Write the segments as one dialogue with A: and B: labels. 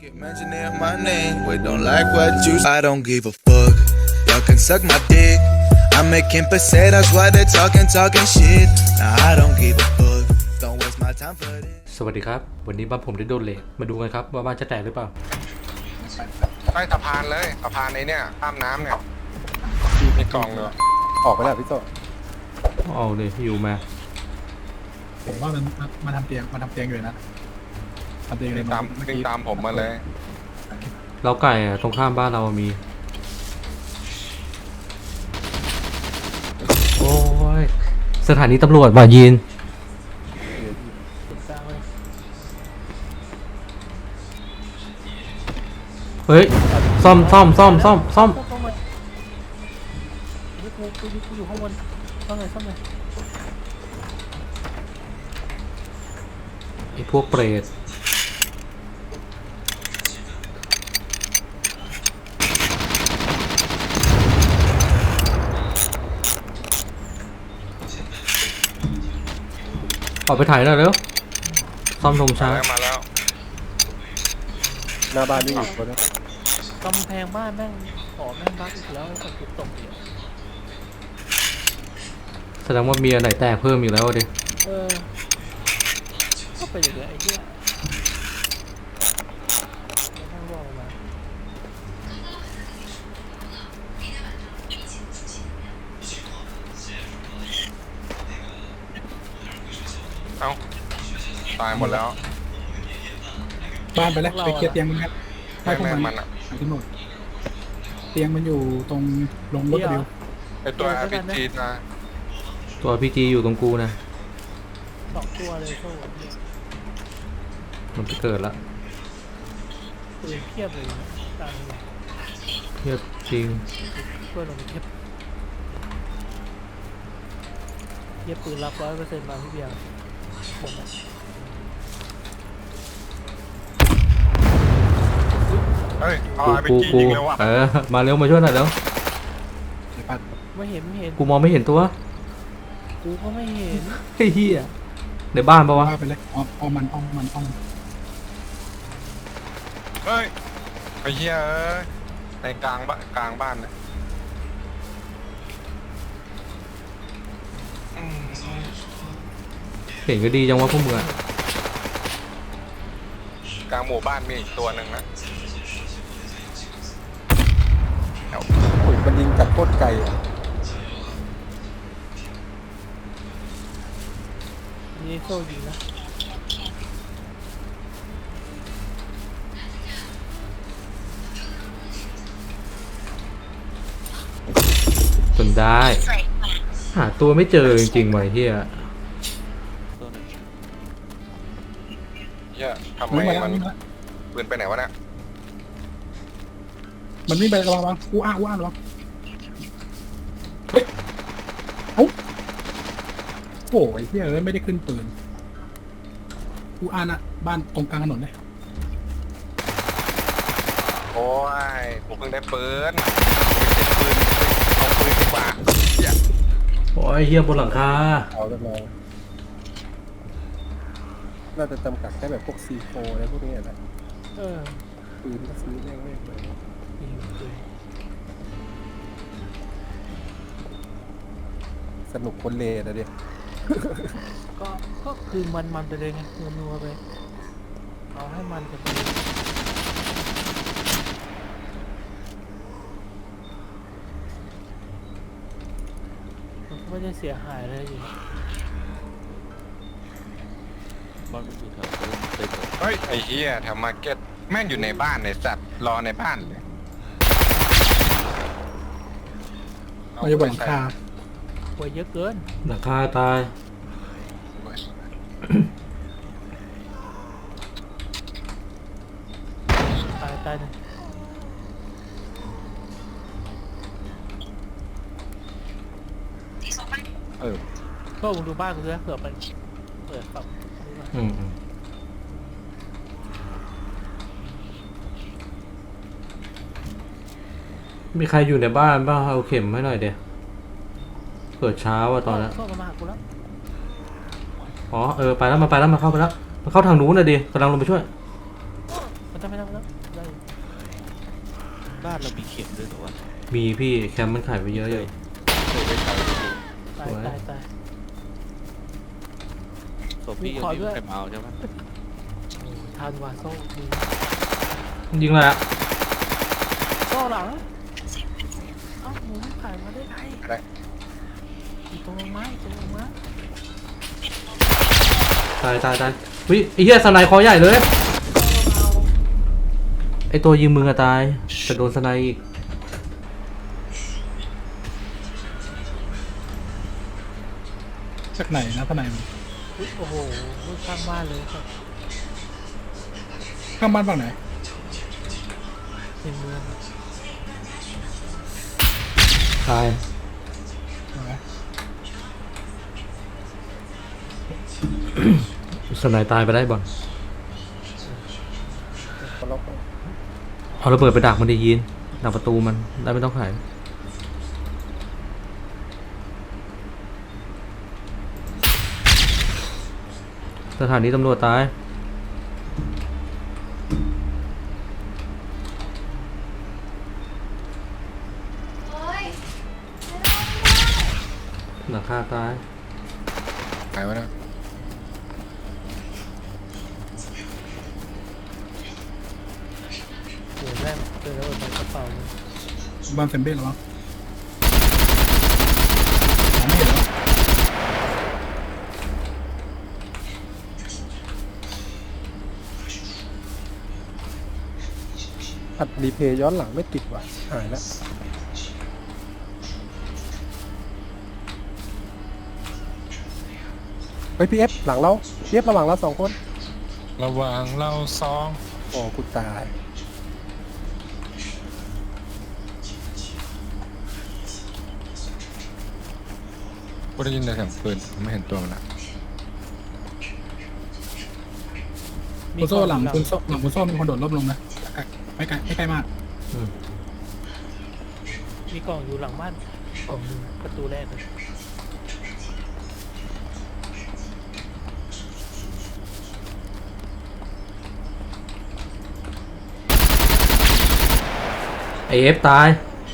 A: Keep mentioning my name, but don't like what you. I don't give a fuck. Y'all can suck my dick. I'm making pesetas while they're talking shit. Nah, I don't give a fuck. Don't waste my time for this.
B: สวัสดีครับวันนี้บ้านผมได้โดนเหล็กมาดูกันครับว่าบ้านจะแตกหรือเปล่า
C: ใต้สะพานเลยสะพานไอ้เนี่ยข้ามน้ำเนี่ยมีกล่องเลย
D: ออกไปแล้วพี่โต
B: เอาเลยอยู่มา
E: ผมว่ามันมาทำเตียงอยู่นะทำเตียงเลย
C: วิ่งตามผมมาเลย
B: เราไก่อะตรงข้ามบ้านเรามีโอ้ยสถานีตำรวจว่ายีนเฮ้ยซ่อม
F: นี่กูอยู่ข้างบนซ่อมเลย
B: ไอ้พวกเปรตออกไปถ่ายหน่อยเร็วซ่อมธงช้า
C: มาแล้ว
D: หน้าบ้านนี่อยู่คนนะ
F: กำแพงบ้านแม่งแม่งบั๊กอีกแล้วไอ้คนตกเนี่ย
B: แสดงว่ามีอันไหนแตกเพิ่มอีกแล้วดิ
F: ก็ไปอย่างเงี้ยไอ้เหี้ยไม่ต้องรอมา
C: เอ้าตายหมดแล้ว
E: บ้านไปแล้วไปเคลียร์เตียงมันครับให้พวก
C: แม่ง
E: มั
C: มัน นอ่ะ
E: ที่หมดเตียงมันอยู่ตรงลงรถเดียว
C: ไอตัว RPG นะ
B: ตัวพีจีอยู่ตรงกูนะ
F: 2 ตัวเลยโซ่เนี่ย
B: มันไปเกิดละ
F: ปืนเทียบเลยนะตังค์
B: เทียบจริง
F: ช่วยลงเทียบปืนรับ 100% มาพี่เบียร์ผมนะ
C: เฮ้ยเอา
B: กู
C: RPG ยิงเลยว่ะ
B: มาเร็วมาช่วยหน่อยเร็ว
E: เดี๋ยวปัด
F: ไม่เห็น
B: กูมองไม่เห็นตัว
F: กูก็ไม่เห็น
B: ไอ้เหี้ยในบ้านปะวะ
E: ว่าไปเลยอ้อมมัน
C: เฮ้ยไอ้เหี้ยเอ้ยในกลางบ้านเลยอืม
B: เห็นก็ดีจังวะพวกมึงอะ
C: กลางหมู่บ้านมีอีกตัวหนึ่งนะ
D: โอ้ยมันยิงจากโคตรไกลอ่ะ
F: นี่โซ่ยิงนะ
B: จนได้หาตัวไม่เจอจริงๆไว้เหี้ย
C: เหี้ยทำ
E: มั
C: ไม
E: น
C: มัน
E: วิ่ง
C: ปืนไปไหนวะเนี่ย
E: ไประวังอู้อ้าระวังเฮ้ยเอ้าโอ้ยเฮียไม่ได้ขึ้นปืนอู้อ้าน่ะบ้านตรงกลางถนนเลย
C: โอ้ยผมเพิ่งได้ปืนเอาปืนดีกว่าเหี้ย
B: โอ้ยเหี้ยบนหลังคา
D: เอาแล้วเราน่าจะจำกัดแค่แบบพวกC4อะไรพวกนี้แหละ ปืนก็ซื้อแม่งเลย
F: ยิงปืน
D: สนุกคนเลนะเด็ก
F: ก็คือมันไปเลยไงนัวไปเอาให้มันกันไปมันก็ไม่ได้เสียหายอะไรอยู่
C: เฮ้ยไอ้เหี้ยแถวมาร์เก็ตแม่งอยู่ในบ้านในสัตว์รอในบ้านเลย
E: มันจะบนหลังคา
F: ป่วยเยอะเกิน
B: หลังคาตาย
F: ตายหนึ่ง ก็มึงดูบ้านกูด้วยเผื่อมันเปิดฝั่งนี้มา
B: มีใครอยู่ในบ้านบ้างเอาเข็มให้หน่อยเดี๋ยวเกิดเช้าอะตอนนั้น
F: โซ่มาหากูแล้ว
B: อ๋อไปแล้วมาเข้าไปแล้วมันเข้าทางนู้นนะดิกำลังลงไปช่วย
F: มันจะไม่ได้แล้วได้
G: บ้านเรามีเข็มด้วยเหรอวะ
B: มีพี่แคมป์มันขายไปเยอะอยู่
G: เคยไปใช้
F: ตายตายตาย
G: ศพพี่ยัง
F: ขอ
G: ไม่
F: ด้วย
G: มีใครมาเอาใช่ไหม
F: โอ้ทานวาโซ่มี
B: ยิงเลยอะ
F: โซ่หลังเอ้าหมูไม่ผ่านมาได้ไง
C: อะไร
F: อยู่ตรงไม้ตรงไม้
B: ตายวิไอ้เหี้ยสไนคอใหญ่เลยไอ้ตัวยิงมึงอะตายแต่โดนสไนอีก
E: จากไหนนะทนายมึง
F: อุ๊ยโอ้โหลูกข้างบ้านเลยครับ
E: ข้างบ้านฝั่งไหน
F: ในเมือง
B: ตายสไนตายไปได้บ่อน
D: คนล็อก
B: เอาระเบิดไปดักมันดียินดักประตูมันได้ไม่ต้องขายสถานีตำรวจตายหลังคาตาย
C: หายวะนะ
F: เดี๋ยวแม่เจอแล้วในกระเป๋าเลย
E: บ้านเซมเบ้เหรอวะไม่เห็นแล้ว
D: อัดรีเพย์ย้อนหลังไม่ติดว่ะหายแล้วเฮ้ยพี่เอฟหลังเราพี่เอฟระหว่างเรา2 คน
C: ระหว่างเราสอง
D: โอ้กูตาย
C: กูได้ยินแต่เสียงปืนไม่เห็นตัวมันนะ
E: คุณโซ่หลังคุณโซ่มีคนโดดร่มลงนะไม่ไกลมาก
F: มีกล่องอยู่หลังบ้านกล่องหนึงประตูแรกเลย
B: ไอเอฟตาย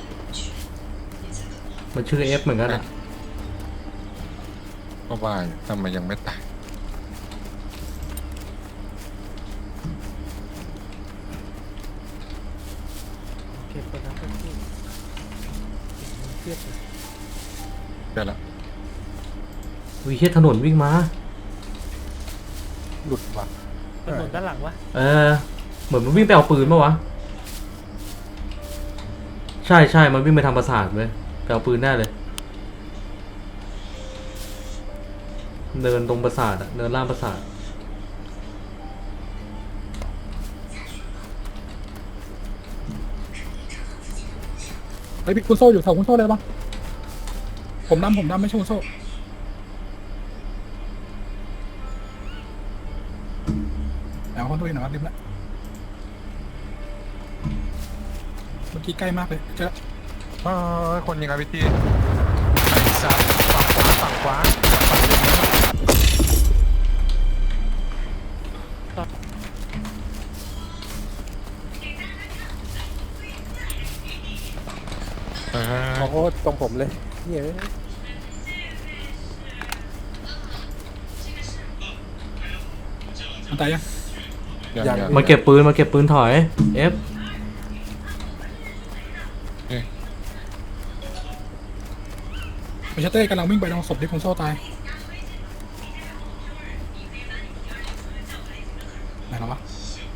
B: มันชื่อเอฟเหมือนกันอะ
C: ก็ว่าอยู่ทำไมยังไม่ตาย
F: เก็บไปแล้วก็ที่เทียบเลย
C: เดี๋ยวละ
B: วิเชียถนนวิ่งมา
D: หลุดว่ะ
F: ถนนด้านหลังวะ
B: เหมือนมันวิ่งไปเอาปืนปะวะ ใช่มันวิ่งไปทำปราสาทเลยไปเอาปืนแน่เลย เดินตรงปราสาทอะเดินล่างปราสาท
E: เฮ้ยพี่คุณโซ่อยู่แถวคุณโซ่เลยปะผมดำไม่ใช่คุณโซ่เอาคนตัวเองหน่อยครับริมละเมื่อกี้ใกล้มากเลยเจอ
C: คนยิงอาร์พีจีไอ้สัตว์ฝั่งขวาฝั่งเดิมเออ
D: โอ้โหตรงผมเลยเฮ้ย
E: มันตายยัง
C: ยัง
B: มาเก็บปืนถอยเอฟ
E: ไปชัตเต้กำลังวิ่งไปตรงศพที่คุณโซ่ตายไหนแล้ววะ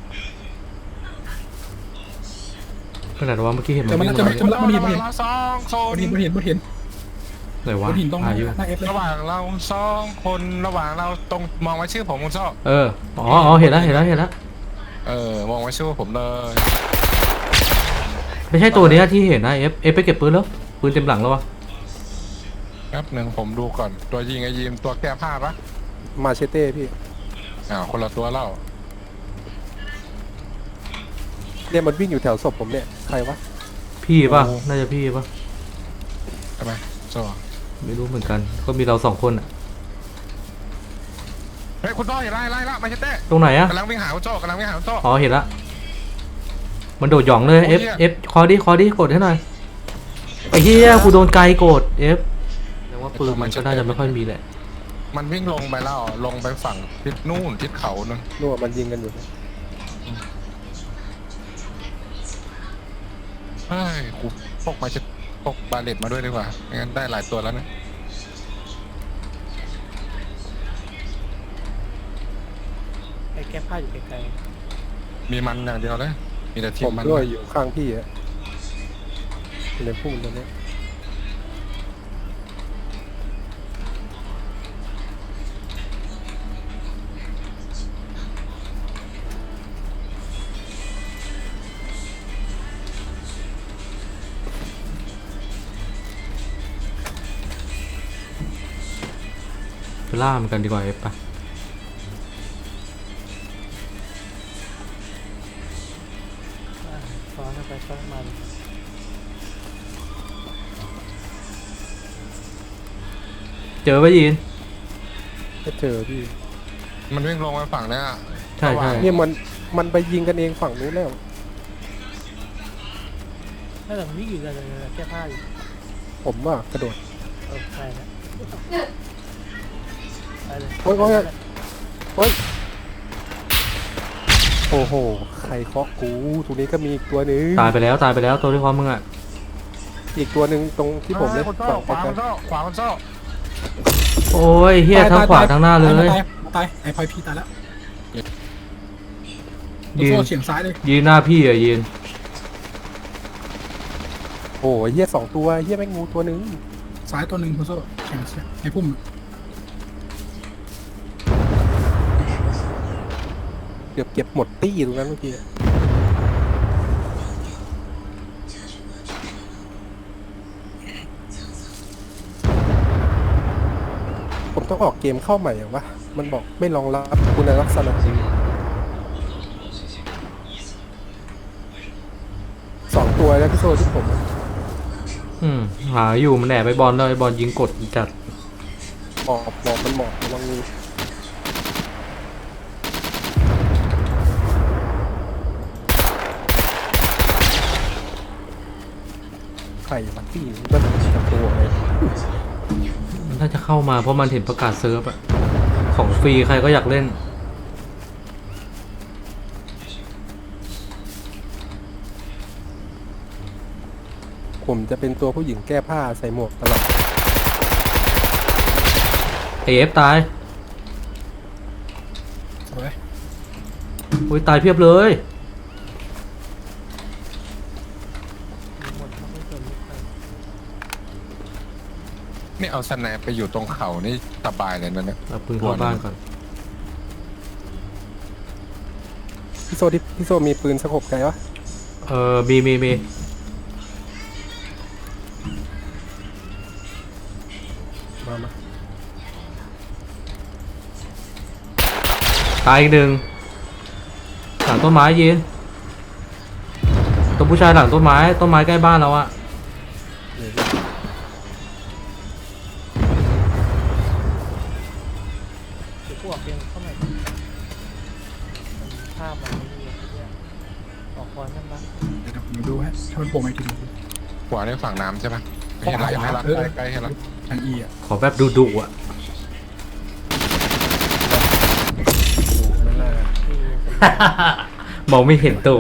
B: ขนาดว่าเมื่อกี้เห็นมัน
E: เจอมัน
B: วิ่ง
E: แล้ว
B: มา
E: เจอมันแล้วมันเห็น
C: เราสองค
E: มัน นเห็น
B: ไหนวะ
E: มันเห็นตรงห
B: หาอยู่
E: น้าเอฟเลย
C: ระหว่างเราสองคนระหว่างเราตรงมองไว้ชื่อผมคุณชอบ
B: อ๋อเห็นแล้ว
C: มองไว้ชื่อผมเลย
B: ไม่ใช่ตัวเนี้ยที่เห็นนะเอฟไปเก็บปืนแล้วปืนเต็มหลังแล้ววะ
C: แป๊บหนึ่งผมดูก่อนตัวยิงไอ้ยิมตัวแก้ผ้าปะ
D: มาเชเต้พี่
C: คนละตัวเล่า
D: เนี่ยมันวิ่งอยู่แถวศพผมเนี่ยใครวะ
B: พี่ป่ะน่าจะพี่ป่ะ
C: ใช่ไหมโซ่
B: ไม่รู้เหมือนกันก็มีเรา2 คนอะ
C: เฮ้ยคุณโซ่อย่าไล่ละมาเชเต้
B: ตรงไหนอะ
C: กำลังวิ่งหาคุณโซ่กำลังวิ่งหาคุณโซ่
B: อ๋อเห็นละมันโดดหย่องเลย
C: โอ้ย
B: F คอดิกดให้หน่อยไอ้เหี้ยกูโดนไกลกด F แต่ว่าปืนมันก็น่าจะไม่ค่อยมีแหละ
C: มันวิ่งลงไปแล้วลงไปฝั่งทิศนู่นทิศเขานึง
D: นู่นมันยิงกันอยู่
C: เฮ้ยกูพกมาจะพกบาเลตมาด้วยดีกว่าไม่งั้นได้หลายตัวแล้วนะ
F: ไอ้แก้ผ้าอยู่ไกล
C: มีมันอย่างเดียวเลยมีแต่ที
D: ผม ม
C: มัน
D: ด้วยอยู่ข้างพี่อะอยู่ในพุ่มตัวนี้
B: ไปล่ามันกันดีกว่า F ปะ
F: ๆซ้อนกันไปซ้อนมัน
B: เจอปะยีน
D: ก็เจอพี่
C: มันวิ่งลงไปฝั่งเนี้ย
B: ใช่
D: เนี่ยมันไปยิงกันเองฝั่งนู้นแล้ว
F: ถ้าแต่มันวิ่งอยู่เลยแก้ผ้าอยู่
D: ผมว่ากระโดด
F: ใช่นะไปเลย
D: โอ๊ยโอ้โหใครเคาะกูตรงนี้ก็มีอีกตัวหนึง
B: ตายไปแล้วตัวที่พร้อมมึงอ่ะ
D: อีกตัวหนึ่งตรงที่ผมเลย
C: คน
D: ฝั่
C: เจ้าง ขวา
D: ไก
C: ค
D: ล
C: นเจ้าขวาคนเจ้า
B: โอ้ยเฮียทั้งขวาทั้งหน้าเลย
E: ตายไอ้พลอยพี่ตายแล้ว
B: ยืน
E: โซ่เฉียงซ้ายเลย
B: ยืนหน้าพี่อ่ะยืน
D: โอ้ยเฮียสองตัวเฮียแม่งงูตัวหนึง
E: ซ้ายตัวหนึ่งคุณโซ่เฉียงไอ้พุ่ม
D: เกือบเก็บหมดตี้ตรงนั้นเมื่อกี้ผมต้องออกเกมเข้าใหม่เหรอวะมันบอกไม่รองรับคุณลักษณะสองตัวแล้วพี่โซที่ผม
B: หาอยู่มันแอบไปบอลแล้วไอ้บอลยิงกดจัด
D: บอกมันหมอบระวังงูใครมันตี้มันจะตัวเลย
B: มันน่าจะเข้ามาเพราะมันเห็นประกาศเซิร์ฟอะของฟรีใครก็อยากเล่น
D: ผมจะเป็นตัวผู้หญิงแก้ผ้าใส่หมวกตลอด
B: F ตาย
E: สวย
B: อุ้ยตายเพียบเลย
F: มีหมดเขาไม่สนใคร
C: นี่เอาสแนปไปอยู่ตรงเขานี่สบายเลยนะเนี่ย
B: เอาปืนเข้าบ้านก่อน
D: พี่โซมีปืนสกบไกลวะ
B: มี
D: มา
B: ตายอีกหนึ่งหลังต้นไม้ยินตัวผู้ชายหลังต้นไม้ใกล้บ้านเราอะ
F: เดี๋ยวพวกเองเข้ามาภาพมันไม่ดีเนี่ยออกคอนนั่นบ้าง
E: เดี๋ยวผมดูให้ถ้ามันโผล่มาอีกทีหนึง
C: ขวาในฝั่งน้ำใช่ปะเห็นละเห็นละใกล้ๆเห็นละ
E: ทางอีอ่ะ
B: ขอแบบดุอะ
D: ไม่น่า
F: ที่
B: มองไม่เห็นตัว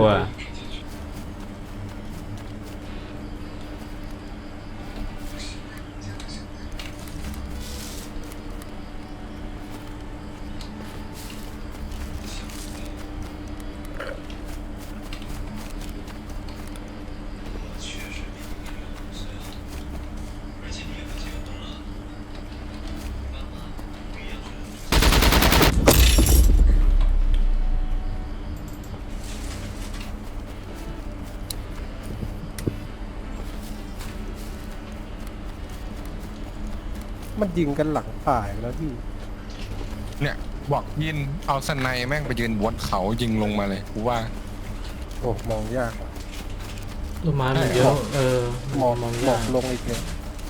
D: มันยิงกันหลังป่าอีกแล้วพี่
C: เนี่ยบอกยินเอาสไนแม่งไปยืนบนเขายิงลงมาเลยกูว่า
D: โอ้มองยากว่ะ
B: ต้นไม้มันเยอะ
D: มอง
B: มอง
D: หม
B: ยา
D: อก กลงอีกเลย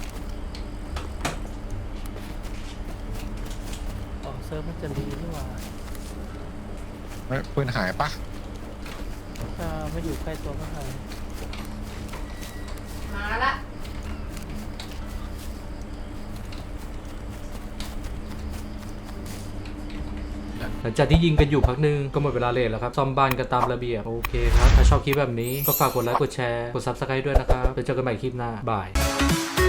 F: ออกเซิร์ฟมันจะดีนี่หว่า
C: เฮ้ยปืนหายปะ
D: ห
F: ถ้าไม่อยู่ใกล้ตัวก็หาย
H: มาละ
B: หลังจากที่ยิงกันอยู่พักหนึงก็หมดเวลาเลทแล้วครับซ่อมบ้านกันตามระเบียบโอเคครับถ้าชอบคลิปแบบนี้ก็ฝากกดไลค์กดแชร์กด Subscribe ด้วยนะครับแล้วเจอกันใหม่คลิปหน้าบาย